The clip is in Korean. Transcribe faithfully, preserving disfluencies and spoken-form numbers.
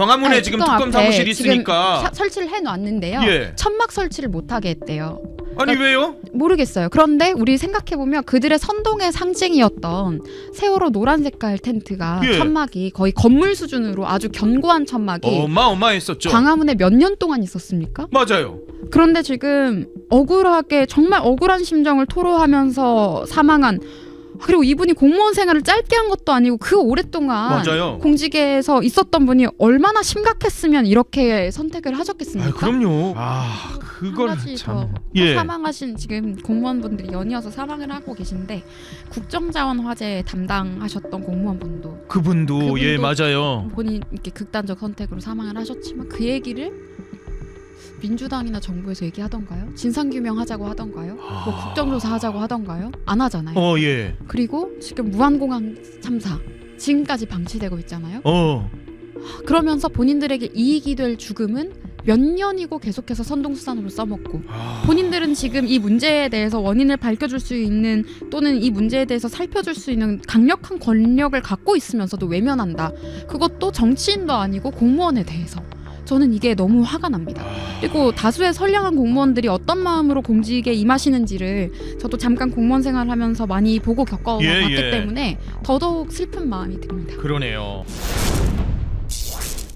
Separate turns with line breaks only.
광화문에
아니,
지금
특검
특검
앞에
사무실이
지금
있으니까.
사, 설치를 해놨는데요.
예.
천막 설치를 못하게 했대요.
아니
그러니까
왜요?
모르겠어요. 그런데 우리 생각해보면 그들의 선동의 상징이었던 세월호 노란 색깔 텐트가
예.
천막이 거의 건물 수준으로 아주 견고한 천막이
어마어마했었죠.
광화문에 몇 년 동안 있었습니까?
맞아요.
그런데 지금 억울하게 정말 억울한 심정을 토로하면서 사망한, 그리고 이분이 공무원 생활을 짧게 한 것도 아니고 그 오랫동안
맞아요.
공직에서 있었던 분이 얼마나 심각했으면 이렇게 선택을 하셨겠습니까?
아, 그럼요. 아, 그걸
한 가지
참.
더
예.
사망하신 지금 공무원분들이 연이어서 사망을 하고 계신데, 국정자원 화재 담당하셨던 공무원분도
그분도,
그분도
예, 맞아요.
본인 이렇게 극단적 선택으로 사망을 하셨지만 그 얘기를 민주당이나 정부에서 얘기하던가요? 진상규명 하자고 하던가요?
아...
뭐 국정조사 하자고 하던가요? 안 하잖아요.
어, 예.
그리고 지금 무한공항 참사 지금까지 방치되고 있잖아요.
어.
그러면서 본인들에게 이익이 될 죽음은 몇 년이고 계속해서 선동수단으로 써먹고,
아...
본인들은 지금 이 문제에 대해서 원인을 밝혀줄 수 있는 또는 이 문제에 대해서 살펴줄 수 있는 강력한 권력을 갖고 있으면서도 외면한다. 그것도 정치인도 아니고 공무원에 대해서. 저는 이게 너무 화가 납니다. 그리고 다수의 선량한 공무원들이 어떤 마음으로 공직에 임하시는지를 저도 잠깐 공무원 생활하면서 많이 보고 겪어봤기
예, 예.
때문에 더더욱 슬픈 마음이 듭니다.
그러네요.